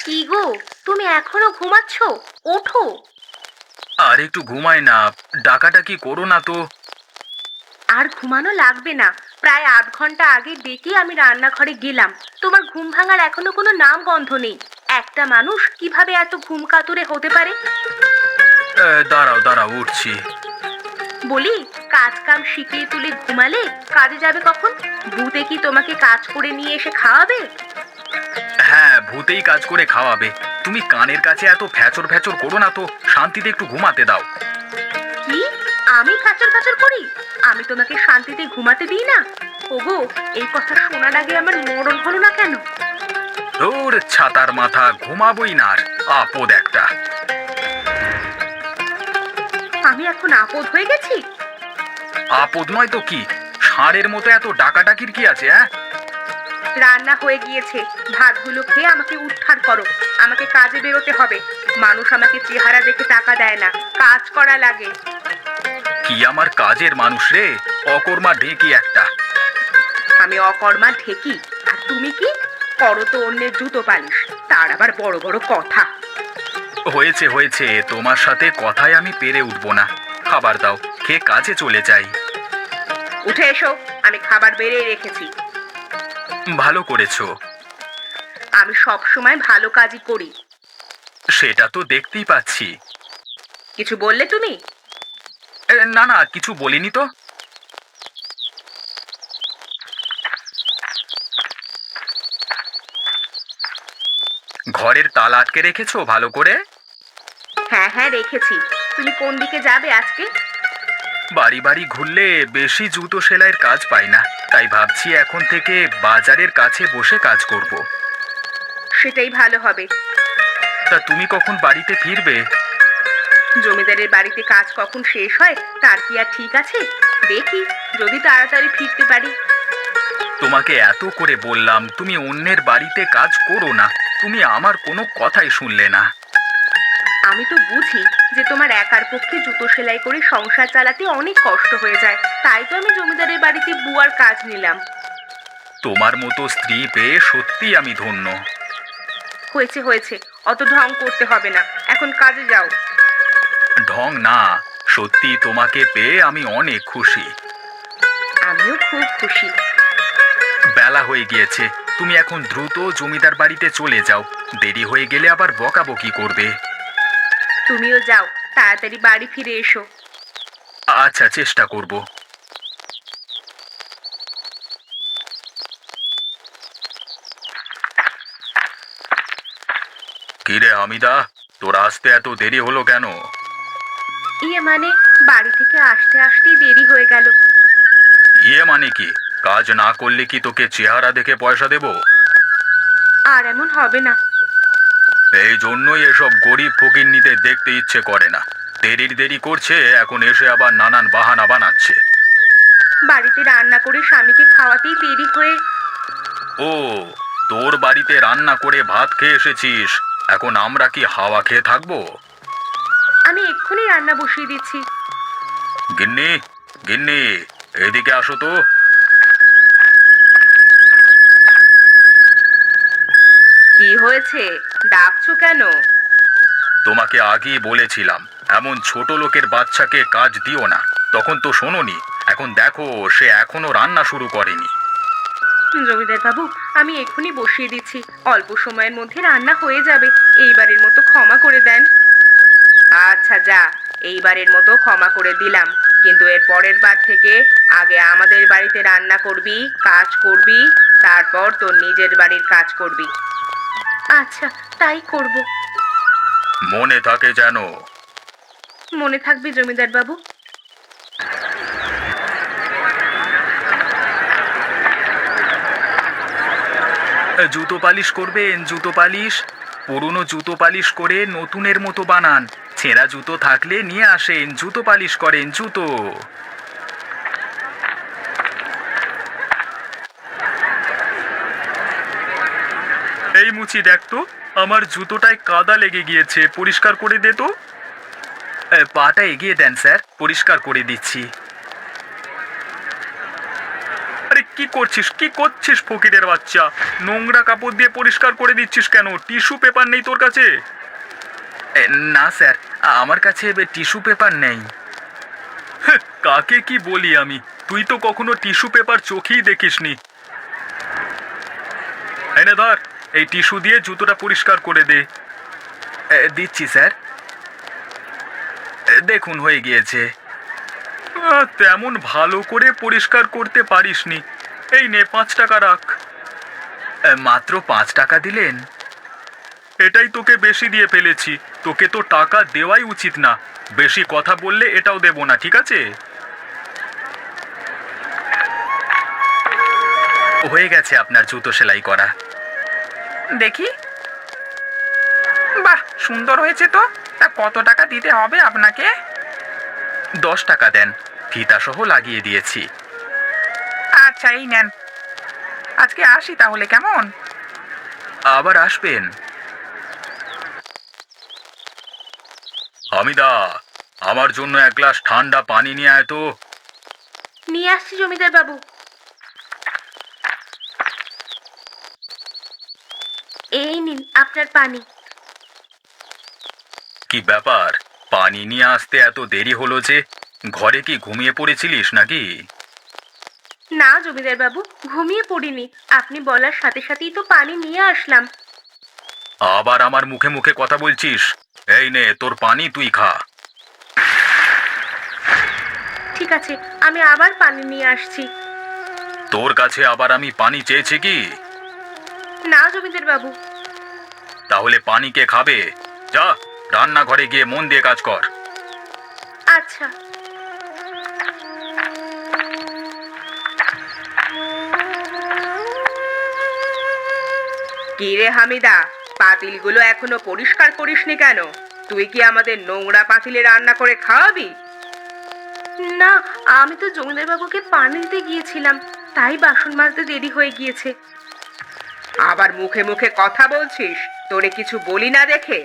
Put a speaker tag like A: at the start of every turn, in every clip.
A: কি গো, তুমি এখনো ঘুমাচ্ছ? ওঠো।
B: আর একটু ঘুমাই না। ডাকাডাকি করো না তো।
A: আর ঘুমানো লাগবে না। প্রায় আধ ঘন্টা আগে ডেকে আমি রান্নাঘরে গেলাম। তোমার ঘুম ভাঙার এখনো কোনো নাম গন্ধ নেই। একটা মানুষ কিভাবে এত ঘুম কাতুরে হতে পারে?
B: দাঁড়াও দাঁড়াও, উঠছি।
A: বলি, কাজ কাম শিখিয়ে তুলে ঘুমালে কাজে যাবে কখন? ভূতে কি তোমাকে কাজ করে নিয়ে এসে খাওয়াবে?
B: হ্যাঁ, ভূতেই কাজ করে খাওয়াবে। তুমি কানের কাছে এত ফ্যাচর ফ্যাচর করো না তো, শান্তিতে একটু ঘুমাতে দাও।
A: কি? আমি খাচর খাচর করি? আমি তোমাকে শান্তিতে ঘুমাতে দিই না? ওগো, এই কথা শোনার আগে আমার মরণ হলো না কেন?
B: তোর ছাতার মাথা, ঘুমাবই না আর। আপদ একটা।
A: আমি এখন আপদ হয়ে গেছি?
B: আপদ নয় তো কি? ষাঁড়ের মতো এত ডাকাডাকির কি আছে? হ্যাঁ,
A: রান্না হয়ে গিয়েছে। ভাতগুলো খেয়ে আমাকে উদ্ধার করো। আমাকে কাজে বেরোতে হবে। মানুষ আমাকে চেহারা দেখে টাকা দেয় না, কাজ করা লাগে।
B: কি আমার কাজের মানুষ রে? অকর্মা ঢেকি একটা।
A: আমি অকর্মা ঢেকি, আর তুমি কি করো? তো অন্যের জুতো পালিশ, তার আবার বড় বড় কথা।
B: হয়েছে হয়েছে, তোমার সাথে কথায় আমি পেরে উঠবো না। খাবার দাও, খেয়ে কাজে চলে যাই।
A: উঠে এসো, আমি খাবার বেড়ে রেখেছি।
B: ভালো করেছো।
A: আমি সব সময় ভালো কাজই করি।
B: সেটা তো দেখতেই পাচ্ছি।
A: কিছু বললে তুমি?
B: না না, কিছু বলিনি তো। ঘরের তালা আটকে রেখেছো ভালো করে?
A: হ্যাঁ হ্যাঁ, রেখেছি। তুমি কোন দিকে যাবে আজকে?
B: বাড়ি বাড়ি ঘুরলে বেশি জুতো সেলাইয়ের কাজ পাই না, তাই ভাবছি এখন থেকে বাজারের কাছে বসে কাজ করব।
A: সেটাই ভালো হবে।
B: তা তুমি কখন বাড়িতে ফিরবে?
A: জমিদারের বাড়িতে কাজ কখন শেষ হয় তার কি আর ঠিক আছে? দেখি, যদি তাড়াতাড়ি ফিরতে পারি।
B: তোমাকে এত করে বললাম তুমি অন্যের বাড়িতে কাজ করো না, তুমি আমার কোনো কথাই শুনলে না।
A: আমি তো বুঝি যে তোমার একার পক্ষে জুতো সেলাই করে সংসার চালাতে অনেক কষ্ট হয়ে যায়, তাই তো আমি জমিদারের বাড়িতে বুয়ার কাজ নিলাম।
B: তোমার মতো স্ত্রী পেয়ে সত্যি আমি ধন্য।
A: হয়েছে হয়েছে, অত ঢং করতে হবে না, এখন কাজে যাও।
B: ঢং না, সত্যি তোমাকে পেয়ে আমি অনেক খুশি।
A: আমিও খুব খুশি।
B: বেলা হয়ে গিয়েছে, তুমি এখন দ্রুত জমিদার বাড়িতে চলে যাও। দেরি হয়ে গেলে আবার বকাবকি করবে।
A: তুমিও যাও, তাড়াতাড়ি বাড়ি ফিরে এসো।
B: আচ্ছা, চেষ্টা করব। কিরে হামিদা, তোর আসতে এত দেরি হলো কেন?
A: ইয়ে মানে, বাড়ি থেকে আসতে আসতেই দেরি হয়ে গেল।
B: ইয়ে মানে কি? কাজ না করলে কি তোকে চেহারা দেখে পয়সা দেব?
A: আর এমন হবে না।
B: এই জন্যই এসব গরিব ফকিন্নিদের দেখতে ইচ্ছে করে না। দেরির দেরি করছে, এখন এসে আবার নানান বাহানা বানাচ্ছে।
A: বাড়িতে রান্না করে স্বামীকে খাওয়াতেই দেরি হয়ে।
B: ও, তোর বাড়িতে রান্না করে ভাত খেয়ে এসেছিস, এখন আমরা কি হাওয়া খেয়ে থাকবো?
A: আমি এক্ষুনি রান্না বসিয়ে দিচ্ছি।
B: গিন্নি, গিন্নি, এদিকে আসো তো।
A: কি হয়েছে? ডাকছো কেন?
B: তোমাকে আগেই বলেছিলাম এমন ছোট লোকের বাচ্চাকে কাজ দিও না, তখন তো শোনোনি। এখন দেখো, সে এখনো রান্না শুরু করেনি।
A: জমিদার বাবু, আমি এক্ষুনি বসিয়ে দিচ্ছি। অল্প সময়ের মধ্যে রান্না হয়ে যাবে। এইবারের মতো ক্ষমা করে দেন। আচ্ছা যা, এইবারের মতো ক্ষমা করে দিলাম, কিন্তু এর পরের বার থেকে আগে আমাদের বাড়িতে রান্না করবি, কাজ করবি, তারপর তোর নিজের বাড়ির কাজ করবি। আচ্ছা, তাই করব।
B: মনে থাকে যেন।
A: মনে থাকবে জমিদার বাবু।
B: জুতো পালিশ করবেন? জুতো পালিশ পুরনো জুতো পালিশ করে নতুনের মতো বানান। ছেঁড়া জুতো থাকলে নিয়ে আসেন, জুতো পালিশ করেন জুতো। এই মুচি, দেখ তো, আমার জুতোটায় কাদা লেগে গিয়েছে, পরিষ্কার করে দে তো। পাটা এগিয়ে দেন স্যার, পরিষ্কার করে দিচ্ছি। আরে কি করছিস ফকিরের বাচ্চা? নোংরা কাপড় দিয়ে পরিষ্কার করে দিচ্ছিস কেন? টিস্যু পেপার নেই তোর কাছে? না স্যার, আমার কাছে টিস্যু পেপার নেই। কাকে কি বলি আমি? তুই তো কখনো টিস্যু পেপার চোখেই দেখিসনি। এনে ধর, এই টিস্যু দিয়ে জুতোটা পরিষ্কার করে দে। দিচ্ছি স্যার। দেখুন হয়ে গিয়েছে। তেমন ভালো করে পরিষ্কার করতে পারিসনি। এই নে 5 টাকা রাখ। মাত্র 5 টাকা দিলেন? এটাই তোকে বেশি দিয়ে ফেলেছি। তোকে তো টাকা দেওয়াই উচিত না। বেশি কথা বললে এটাও দেব না, ঠিক আছে? হয়ে গেছে আপনার জুতো সেলাই করা।
C: দেখি। বাহ, সুন্দর হয়েছে তো। তা কত টাকা দিতে হবে আপনাকে?
B: 10 টাকা দেন, ফিতা সহ লাগিয়ে দিয়েছি।
C: আচ্ছা, এই নেন। আজকে আসি তাহলে, কেমন?
B: আবার আসবেন। হামিদা, আমার জন্য 1 গ্লাস ঠান্ডা পানি নিয়ে আয় তো।
A: নিয়ে আসছি জমিদার বাবু। এই নিন আপনার পানি।
B: কি ব্যাপার, পানি নিয়ে আসতে এত দেরি হলো যে? ঘরে কি ঘুমিয়ে পড়েছিলিস নাকি?
A: না জমিদার বাবু, ঘুমিয়ে পড়িনি। আপনি বলার সাথে সাথেই তো পানি নিয়ে আসলাম।
B: আবার আমার মুখে মুখে কথা বলছিস? এই নে তোর পানি, তুই খা।
A: ঠিক আছে, আমি আবার পানি নিয়ে আসছি।
B: তোর কাছে আবার আমি পানি চেয়েছি কি?
A: না জমিদার বাবু।
B: তাহলে পানি কে খাবে? যা, রান্নাঘরে গিয়ে মন দিয়ে কাজ কর।
A: আচ্ছা। কি রে হামিদা, পাতিলগুলো এখনো পরিষ্কার করিসনি কেন? তুই কি আমাদের নোংরা পাতিলে রান্না করে খাওয়াবি? না, আমি তো জমিদার বাবুকে পানি দিতে গিয়েছিলাম, তাই বাসন মাজতে দেরি হয়ে গিয়েছে। আবার মুখে মুখে কথা বলছিস? তোরে কিছু বলি না দেখে?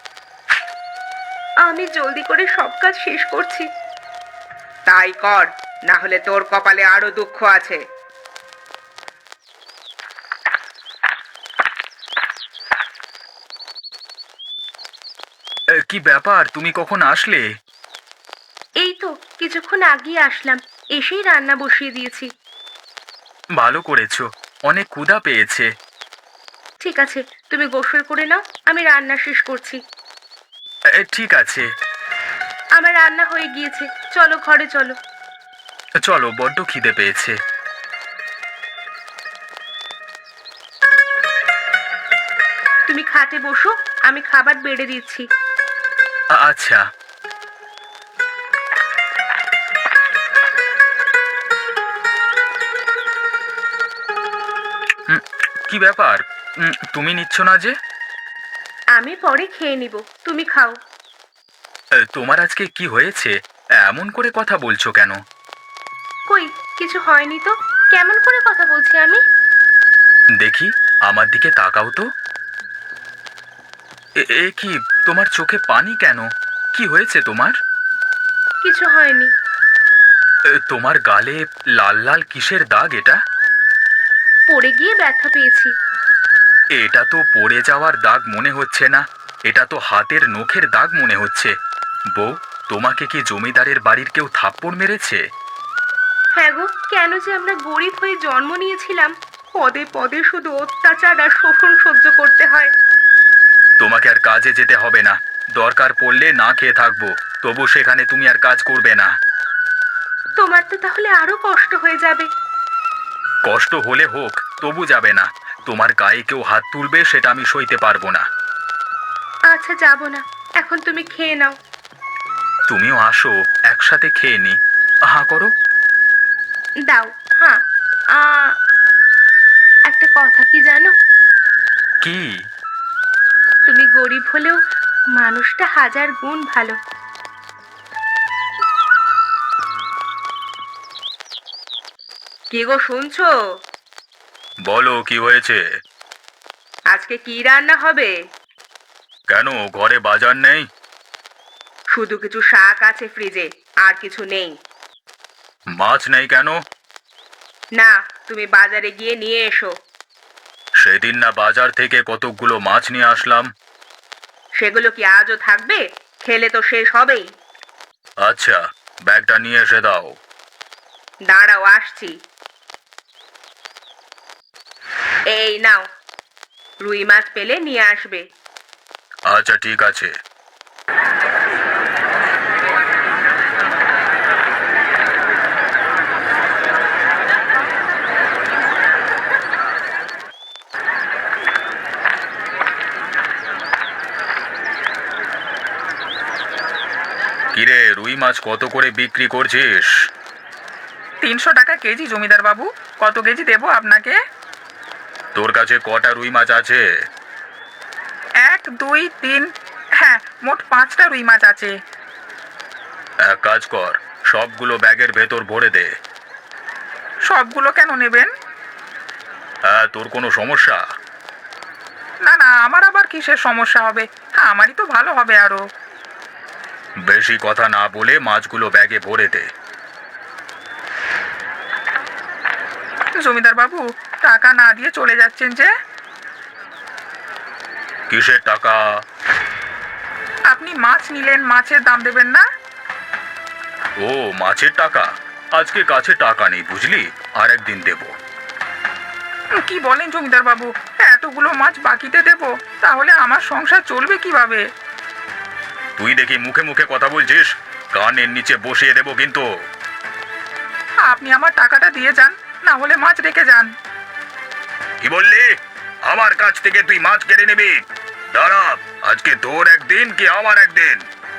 A: আমি জলদি করে সব কাজ শেষ করছি। তাই কর, না হলে তোর কপালে আরো দুঃখ আছে।
B: কি ব্যাপার, তুমি কখন আসলে?
A: এই তো কিছুক্ষণ আগেই আসলাম, এসেই রান্না বসিয়ে দিয়েছি।
B: ভালো করেছো, অনেক ক্ষুধা পেয়েছে।
A: ঠিক আছে, তুমি গোসল করে নাও, আমি রান্না শেষ করছি।
B: ঠিক আছে।
A: আমার রান্না হয়ে গিয়েছে, চলো ঘরে চলো।
B: চলো, বড্ড খিদে পেয়েছে।
A: তুমি খাটে বসো, আমি খাবার বেড়ে দিচ্ছি।
B: আচ্ছা। কি ব্যাপার, তুমি নিচ্ছ না যে?
A: আমি পরে খেয়ে নিব, তুমি খাও।
B: তোমার আজকে কি হয়েছে? এমন করে কথা বলছো কেন?
A: কই, কিছু হয়নি তো। কেমন করে কথা বলছি আমি?
B: দেখি, আমার দিকে তাকাও তো। এ কি, তোমার চোখে পানি কেন? কি হয়েছে তোমার?
A: কিছু হয়নি।
B: তোমার গালে লাল লাল কিসের দাগ এটা?
A: পড়ে গিয়ে ব্যথা পেয়েছি।
B: এটা তো পড়ে যাওয়ার দাগ মনে হচ্ছে না, এটা তো হাতের নখের দাগ মনে হচ্ছে। বউ, তোমাকে কি জমিদারের বাড়ির কেউ থাপ্পড় মেরেছে?
A: হ্যাঁ গো, কেন যে আমরা গরিব হয়ে জন্ম নিয়েছিলাম, পদে পদে শুধু অত্যাচার আর শোষণ সহ্য করতে হয়।
B: তোমাকে আর কাজে যেতে হবে না, দরকার পড়লে না খেয়ে থাকবো, তবু সেখানে তুমি আর কাজ করবে না।
A: তোমার তো তাহলে আরো কষ্ট হয়ে যাবে।
B: কষ্ট হলে হোক, তবু যাবে না। তোমার গায়ে কেউ হাত তুলবে সেটা আমি সইতে পারবো না।
A: আচ্ছা, যাব না, এখন তুমি খেয়ে নাও।
B: তুমিও আসো, একসাথে খেয়ে নি। হাঁ করো।
A: দাও। হ্যাঁ। আ একটা কথা কি জানো?
B: কি?
A: তুমি গরিব হলেও মানুষটা হাজার গুণ ভালো। কি গো, শুনছো?
B: বলো, কি হয়েছে?
A: আজকে কি রান্না হবে?
B: কেন, ঘরে বাজার নেই?
A: শুধু কিছু শাক আছে ফ্রিজে, আর কিছু নেই।
B: মাছ নেই কেন?
A: না, তুমি বাজারে গিয়ে নিয়ে এসো।
B: সেদিন না বাজার থেকে কতকগুলো মাছ নিয়ে আসলাম।
A: সেগুলো কি আজও থাকবে? খেলে তো শেষ হবেই।
B: আচ্ছা, ব্যাগটা নিয়ে এসে দাও।
A: দাঁড়াও, আসছি। এই নাও, রুই মাছ পেলে নিয়ে আসবে।
B: আচ্ছা, ঠিক আছে। কিরে, রুই মাছ কত করে বিক্রি করছিস?
C: 300 টাকা কেজি জমিদার বাবু। কত কেজি দেবো আপনাকে?
B: তোর কাছে কটা রুই মাছ আছে?
C: 1, 2, 3, হ্যাঁ, মোট 5টা রুই মাছ আছে।
B: এক কাজ কর, সবগুলো ব্যাগের ভেতর ভরে দে।
C: সবগুলো কেন নেবেন?
B: হ্যাঁ, তোর কোনো সমস্যা?
C: না না, আমার আবার কিসের সমস্যা হবে? হ্যাঁ, আমারই তো ভালো হবে আরো।
B: বেশি কথা না বলে মাছগুলো ব্যাগে ভরে দে।
C: জমিদার বাবু, টাকা না দিয়ে চলে যাচ্ছেন যে?
B: কিসের টাকা?
C: আপনি মাছ নিলেন, মাছের দাম দেবেন না?
B: ও, মাছের টাকা? আজকে কাছে টাকা নেই বুঝলি, আর একদিন দেব।
C: কি বলেন জমিদার বাবু? এতগুলো মাছ বাকিতে দেব, তাহলে আমার সংসার চলবে কিভাবে?
B: তুই দেখি মুখে মুখে কথা বলছিস, কানের নিচে বসিয়ে দেব কিন্তু।
C: আপনি আমার টাকাটা দিয়ে যান, না হলে মাছ রেখে যান।
B: কি বললি? আমার কাছ থেকে তুই মাছ কেড়ে নিবি? দাঁড়া, আজকে তোর একদিন কি আমার একদিন।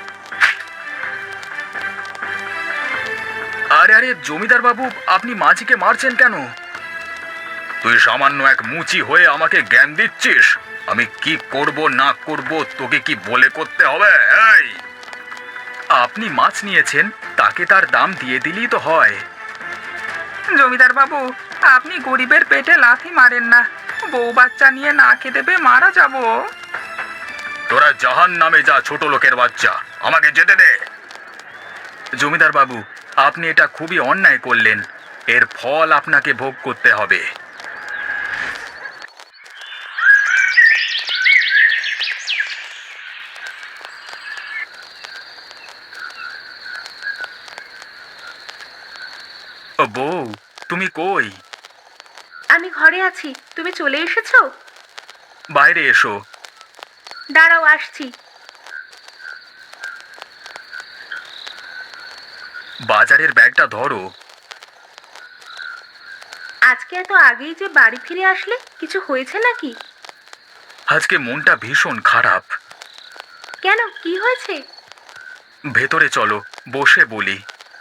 B: আরে আরে জমিদার বাবু, আপনি মাঝিকে মারছেন কেন? তুই সামান্য এক মুচি হয়ে আমাকে জ্ঞান দিচ্ছিস? আমি কি করব না করব তোকে কি বলে করতে হবে? এই, আপনি মাছ নিয়েছেন, তাকে তার দাম দিয়ে দিলেই তো হয়।
C: জমিদার বাবু, আপনি গরিবের পেটে লাথি মারেন না। বউ বাচ্চা নিয়ে না খেতে পেয়ে মারা যাব।
B: তোরা জাহান নামে যা, ছোট লোকের বাচ্চা, আমাকে যেতে দে। জমিদার বাবু, আপনি এটা খুবই অন্যায় করলেন, এর ফল আপনাকে ভোগ করতে হবে। ও বউ, তুমি কই?
A: আমি ঘরে আছি, তুমি চলে এসেছো?
B: বাইরে এসো।
A: দাঁড়াও, আসছি।
B: বাজারের ব্যাগটা ধরো।
A: আজকে এত আগেই যে বাড়ি ফিরে আসলে, কিছু হয়েছে নাকি?
B: আজকে মনটা ভীষণ খারাপ।
A: কেন, কি হয়েছে?
B: ভেতরে চলো, বসে বলি।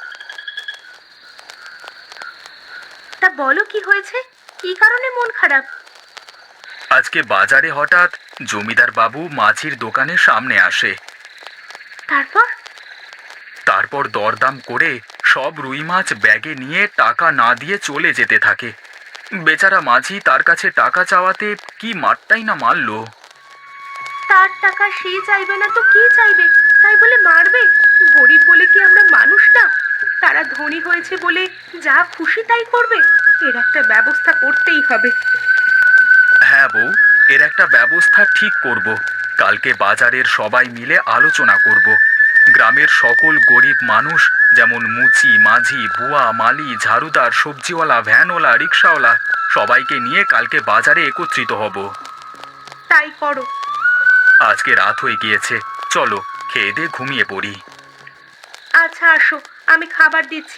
A: তা বলো, কি হয়েছে? কি কারণে মন খারাপ?
B: আজকে বাজারে হঠাৎ জমিদার বাবু মাছির দোকানের সামনে আসে।
A: তারপর?
B: তারপর দরদাম করে সব রুই মাছ ব্যাগে নিয়ে টাকা না দিয়ে চলে যেতে থাকে। বেচারা মাঝি তার কাছে টাকা চাওয়াতে কি মারটাই না মারলো।
A: তার টাকা সে চাইবে না তো কি চাইবে, তাই বলে মারবে? গরিব বলে কি আমরা মানুষ না? তারা ধনী হয়েছে বলে যা খুশি তাই করবে? এর একটা ব্যবস্থা করতেই হবে।
B: হ্যাঁ বউ, এর একটা ব্যবস্থা ঠিক করব। কালকে বাজারের সবাই মিলে আলোচনা করব। গ্রামের সকল গরিব মানুষ, যেমন মুচি, মাঝি, বুয়া, মালি, ঝাড়ুদার, সবজিওয়ালা, ভ্যানওয়ালা, রিক্সাওয়ালা, সবাইকে নিয়ে কালকে বাজারে একত্রিত হব।
A: তাই করো।
B: আজকে রাত হয়ে গিয়েছে, চলো খেয়ে দিয়ে ঘুমিয়ে পড়ি।
A: আচ্ছা, আসো, আমি খাবার দিচ্ছি।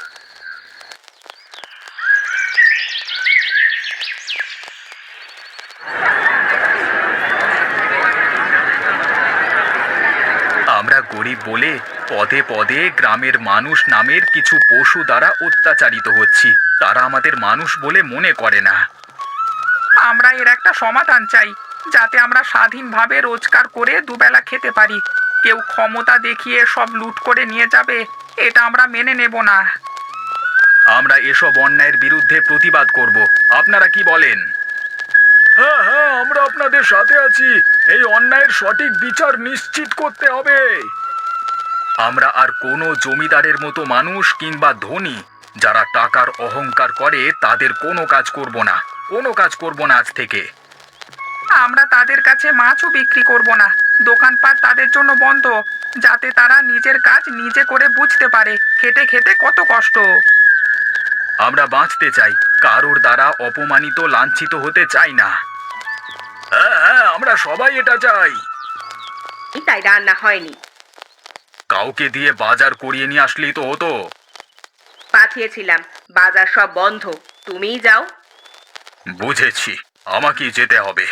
B: আমরা গরিব বলে পদে পদে গ্রামের মানুষ নামের কিছু পশু দ্বারা অত্যাচারিত হচ্ছি। তারা আমাদের মানুষ বলে মনে করে না।
C: আমরা এর একটা সমাধান চাই, যাতে আমরা স্বাধীনভাবে রোজগার করে দুবেলা খেতে পারি। কেউ ক্ষমতা দেখিয়ে সব লুট করে নিয়ে যাবে, এটা আমরা মেনে নেব না।
B: আমরা এসব অন্যায়ের বিরুদ্ধে প্রতিবাদ করব। আপনারা কি বলেন? হ্যাঁ হ্যাঁ, আমরা আপনাদের সাথে আছি। এই অন্যায়ের সঠিক বিচার নিশ্চিত করতে হবে। আমরা আর কোনো জমিদারের মতো মানুষ কিংবা ধনী যারা টাকার অহংকার করে তাদের কোনো কাজ করব না, কোনো কাজ করব না আজ থেকে।
C: আমরা তাদের কাছে মাছও বিক্রি করব না, দোকানপাট তাদের জন্য বন্ধ, যাতে তারা নিজের কাজ নিজে করে বুঝতে পারে খেটে খেতে কত কষ্ট।
B: আমরা বাঁচতে চাই, কারোর দ্বারা অপমানিত লাঞ্ছিত হতে চাই না। হ্যাঁ হ্যাঁ, আমরা সবাই এটা চাই।
A: তাই রান্না হয়নি।
B: কাউকে দিয়ে বাজার করিয়ে নিয়ে আসলেই তো হতো।
A: পাঠিয়েছিলাম, বাজার সব বন্ধ, তুমিই যাও।
B: বুঝেছি, আমাকেই যেতে হবে।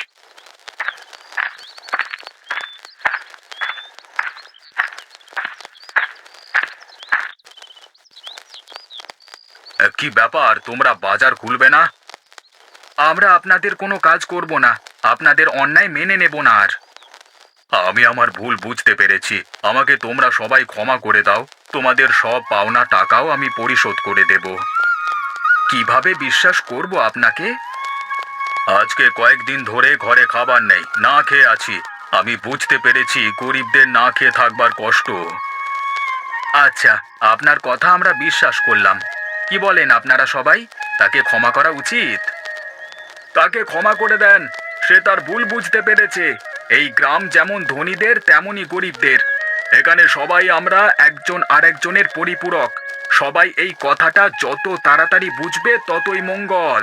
B: কি ব্যাপার, তোমরা বাজার খুলবে না? আমরা আপনাদের কোনো কাজ করব না, আপনাদের অন্যায় মেনে নেব না আর। আমি আমার ভুল বুঝতে পেরেছি, আমাকে তোমরা সবাই ক্ষমা করে দাও। তোমাদের সব পাওনা টাকাও আমি পরিশোধ করে দেব। কিভাবে বিশ্বাস করব আপনাকে? আজকে কয়েকদিন ধরে ঘরে খাবার নেই, না খেয়ে আছি। আমি বুঝতে পেরেছি গরিবদের না খেয়ে থাকবার কষ্ট। আচ্ছা, আপনার কথা আমরা বিশ্বাস করলাম। কি বলেন আপনারা সবাই, তাকে ক্ষমা করা উচিত? তাকে ক্ষমা করে দেন, সে তার ভুল বুঝতে পেরেছে। এই গ্রাম যেমন ধনীদের তেমনই গরিবদের। এখানে সবাই আমরা একজন আরেকজনের পরিপূরক। সবাই এই কথাটা যত তাড়াতাড়ি বুঝবে ততই মঙ্গল।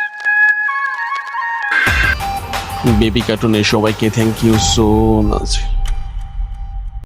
D: বেবি কার্টুনের সবাইকে থ্যাংক ইউ সো মাচ।